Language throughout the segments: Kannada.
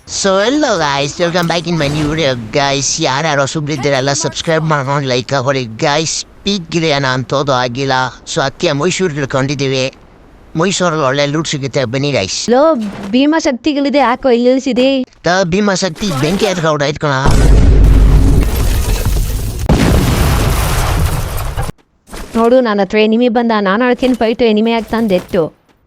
So hello guys welcome back in my new video guys. ಯಾರ್ಯಾರು ಹೊಸಬ್ರಿದ್ದೀರಲ್ಲ ಸಬ್ಸ್ಕ್ರೈಬ್ ಮಾಡ್ಕೊಂಡು ಲೈಕ್ ಹೊಡಿ ಗೈಸ್. ಸ್ಪೀಕ್ ಗಿರಿಯನ ಅಂತೋದು ಆಗಿಲ್ಲ, ಸೊ ಅದಕ್ಕೆ ಮೈಸೂರು ಇಳ್ಕೊಂಡಿದ್ದೀವಿ. ಮೈಸೂರಲ್ಲಿ ಒಳ್ಳೆ ಲೂಟ್ ಸಿಗುತ್ತೆ, ಬನ್ನಿ ಗೈಸ್. ಲೋ ಭೀಮಶಕ್ತಿಗಳಿದೆ, ಯಾಕೋ ಇಲ್ಲಿ ನಿಲ್ಸಿದೆ? ಭೀಮಶಕ್ತಿ ಬೆಂಕಿ ಎತ್ಕೊಂಡು ಆಯ್ತ್ಕೊಳ. ನೋಡು, ನನ್ನ ಹತ್ರ ಎನಿಮಿ ಬಂದ, ನಾನು ಅಳ್ತೀನಿ ಫೈಟು ಎನಿಮಿ ಆಗ್ತಾಂದೆತ್ತು.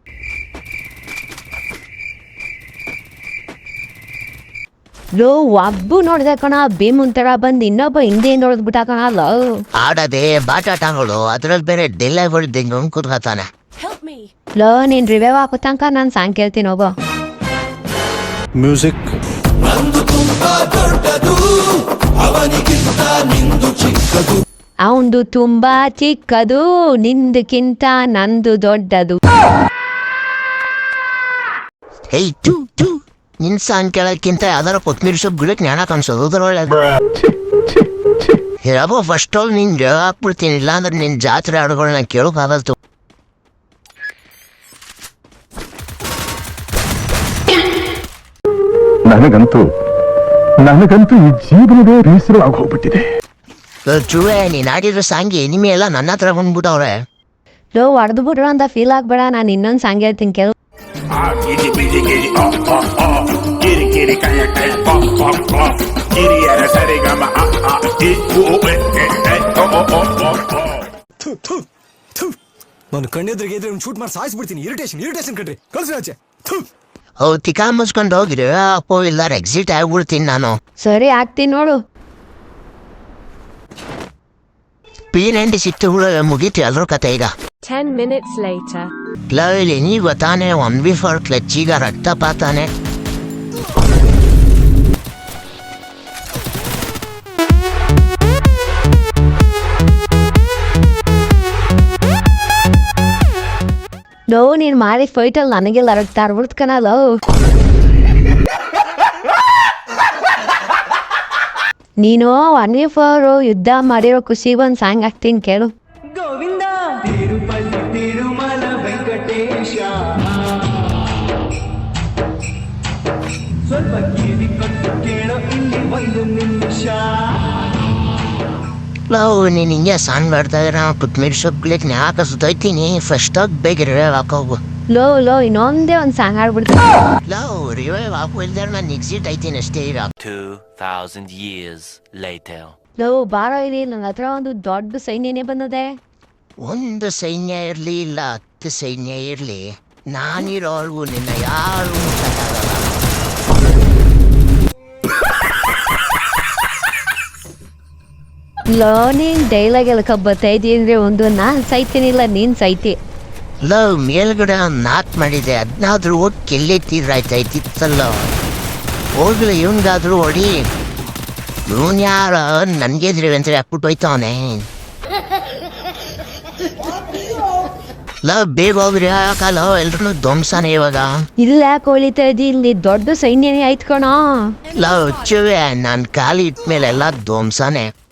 ಲೋ ಒಬ್ಬು ನೋಡ್ದೆ ಕಣ, ಭೀಮನ್ ತರ ಬಂದು ಇನ್ನೊಬ್ಬ ಹಿಂದೆ ನೋಡ್ಬಿಟ್ಟ ಕಣ. ಲೋ ಆಡದೆ ಬಾಟಾಟಗಳು, ಅದ್ರಲ್ಲಿ ಬೇರೆ ಡೆಲಿವರಿ ದಿಂಗ್ ಕೂತ್ಕೊತಾನೆ. ಲೋ ನೀನ್ ರಿವ್ಯೂ ಹಾಕೋ ತನಕ ನಾನು ಸಾಂಗ್ ಕೇಳ್ತೀನಿ, ಹೋಗೋ. ಮ್ಯೂಸಿಕ್ ಅವಂದು ತುಂಬಾ ಚಿಕ್ಕದು, ನಿಂದಕ್ಕಿಂತ ನಂದು ದೊಡ್ಡದು. ಹೇಯ್ ಟೂ ಟೂ, ನಿನ್ ಸಾಂಗ್ ಕೇಳೋಕ್ಕಿಂತ ಯಾವ್ದಾರ ಕೊತ್ಮೀರಿ ಸೊಪ್ಪು ಗಿಡಕ್ಕೆ ಜ್ಞಾನ ಕಾಣಿಸೋದು ಅದ್ರೊಳಗೆ. ಹೇಳಬೋ ಫಸ್ಟ್ ಆಲ್ ನೀನ್ ಹಾಕ್ಬಿಡ್ತೀನಿ, ಇಲ್ಲಾಂದ್ರೆ ನಿನ್ ಜಾತ್ರೆ ಹಾಡುಗಳನ್ನ ಕೇಳೋಕ್ಕಾಗಲ್ತು. ನನಗಂತೂ ಈ ಜೀವನವೇ ಬೇಸರವಾಗಿ ಹೋಗ್ಬಿಟ್ಟಿದೆ. ಚೂವೆ, ನೀನ್ ಆಡಿರೋ ಸಾಂಗ್ ಎನಿಮೆ ಎಲ್ಲ ನನ್ನ ಹತ್ರ ಬಂದ್ಬಿಟ್ಟವ್ರೆ. ಲೋ ಹೊಡೆದು ಬಿಡ್ರು ಅಂತ ಫೀಲ್ ಆಗ್ಬೇಡ, ನಾನು ಇನ್ನೊಂದು ಸಾಂಗ್ ಹೇಳ್ತೀನಿ ಕೇಳು. ನಾನು ಕಣ್ಣೆದ್ರಿಗೆ ಇದ್ರೆ ಶೂಟ್ ಮಾಡಿ ಸಾಯಿಸ್ಬಿಡ್ತೀನಿ. ಇರಿಟೇಷನ್ ಕಣ್ರಿ, ಕಳ್ಸಿ ಆಚೆ. ತಿಕಾ ಮುಚ್ಕೊಂಡು ಹೋಗಿರಿ, ಅಪ್ಪೋ ಇಲ್ಲಾರ ಎಕ್ಸಿಟ್ ಆಗ್ಬಿಡ್ತೀನಿ ನಾನು. ಸರಿ ಆಗ್ತೀನಿ ನೋಡು. P90 ಸಿಕ್ತು ಮುಗೀತು ಎಲ್ಲರೂ ಕತೆ ಈಗ. 10 minutes later. ಇಲ್ಲಿ ನೀ ಗೊತ್ತಾನೆ 1v4 ಕ್ಲಚ್, ಈಗ ರಕ್ತಪಾತಾನೆ. ಲೋ ನೀನ್ ಮಾಡಿ ಫೈಟಲ್ಲಿ ನನಗೆಲ್ಲ ಅರಗ್ತಾ ಇರ್ಬಿಡ್ತು ಕಣ. ಲೋ ನೀನು 1v4 ಯುದ್ಧ ಮಾಡಿರೋ ಖುಷಿ ಒಂದು ಸಾಂಗ್ ಹಾಕ್ತೀನಿ ಕೇಳು. ಗೋವಿಂದ ತಿರುಪತಿ ತಿರುಮಲ ವೆಂಕಟೇಶ, ಸ್ವಲ್ಪ ಕಿವಿ ಕೊಟ್ಟು ಕೇಳೋ ಇಲ್ಲಿ ಒಂದು ನಿಮಿಷ. ನೀನು ಹಿಂಗೆ ಸಾಂಗ್ ಆಡ್ತಾ ಇದ್ರೆ ಕೊತ್ಮೀರಿ ಸೊಪ್ಪು ಗಿಡಕ್ಕೆ ಯಾಕೆ ಸುತ್ತೋಯ್ತೀನಿ. ಫಸ್ಟ್ ಆಗಿ ಬೇಗ ರಿವೈವ್ ಹಾಕೋಗು. ಲೋ ಇನ್ನೊಂದೇ ಒಂದು ಸಾಂಗ್ ಆಡ್ಬಿಡ್ತೀನಿ. ರಿವೈವ್ ಹಾಕೋ ಇಲ್ದಾರೆ ನಾನು ಎಕ್ಸಿಟ್ ಆಯ್ತೀನಿ ಅಷ್ಟೇ ಈಗ. 2000 years later. ಲೋ ಬಾರೋ ಇಲ್ಲಿ, ನನ್ನ ಹತ್ರ ಒಂದು ದೊಡ್ಡ ಸೈನ್ಯನೇ ಬಂದದೆ. ಒಂದು ಸೈನ್ಯ ಇರಲಿ ಇಲ್ಲ 10 ಸೈನ್ಯ ಇರಲಿ, ನಾನಿರೋರ್ಗು ನಿನ್ನ ಯಾರು ಮುಟ್ಟಕ್ಕಾಗಲ್ಲ. ಲೋ ನೀನ್ ಡೈಲಾಗ್ ಎಲ್ಲ ಕಬ್ಬತ್ತೈದಿ ಅಂದ್ರೆ ಒಂದು ನಾನು ಸೈತೀನಿಲ್ಲ, ನೀನ್ ಸೈತಿ. ಮೇಲ್ಗಡೆ ಒಂದು ನಾಕ್ ಮಾಡಿದೆ, ಅದನ್ನಾದ್ರೂ ಹೋಗಿ ಕೆಲ್ಲೆತ್ತಿದ್ರಾಯ್ತಾಯ್ತಿತ್ತಲ್ಲ. ಹೋಗ್ಲಿ ಇವನ್ಗಾದ್ರೂ ಹೊಡಿ. ಇವನ್ ಯಾರ ನನ್ಗೆ ಅಂತ ಹಾಕ್ಬಿಟ್ಟು ಹೋಯ್ತವನೆ. ಬೇಗ ಹೋಗ್ರಿ, ಯಾಕಲ್ಲ ಎಲ್ರು ಧ್ವಂಸನೇ ಇವಾಗ. ಇಲ್ಲ ಯಾಕೆ ಹೊಳಿತಾ ಇದ್ದಿ, ಇಲ್ಲಿ ದೊಡ್ಡ ಸೈನ್ಯನೇ ಆಯ್ತು ಕಣ. ಹುಚ್ಚುವೆ, ನಾನು ಖಾಲಿ ಇಟ್ಮೇಲೆ ಎಲ್ಲ ಧ್ವಂಸನೇ.